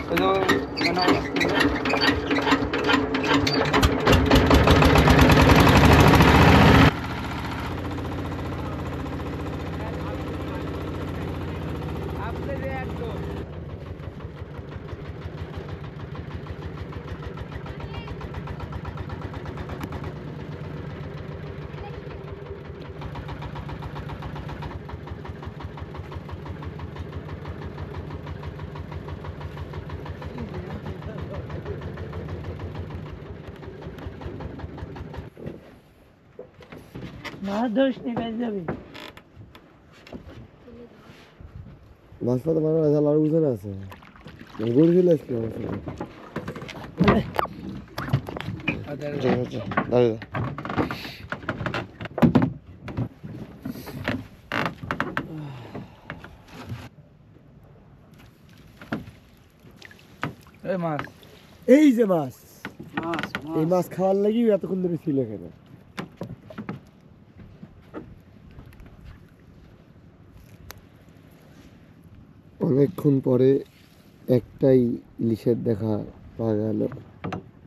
মাছ ধরিস নি কাজ যাবি মাছ পাতা বানানো আছে আর বুঝে না আছে গড়ি চলে আসছে দাঁড়িয়ে মাছ এই যে মাছ এই মাছ খাওয়ার লাগি এতক্ষণ ধরে ছিল এখানে অনেকক্ষণ পরে একটাই ইলিশের দেখা পাওয়া গেল।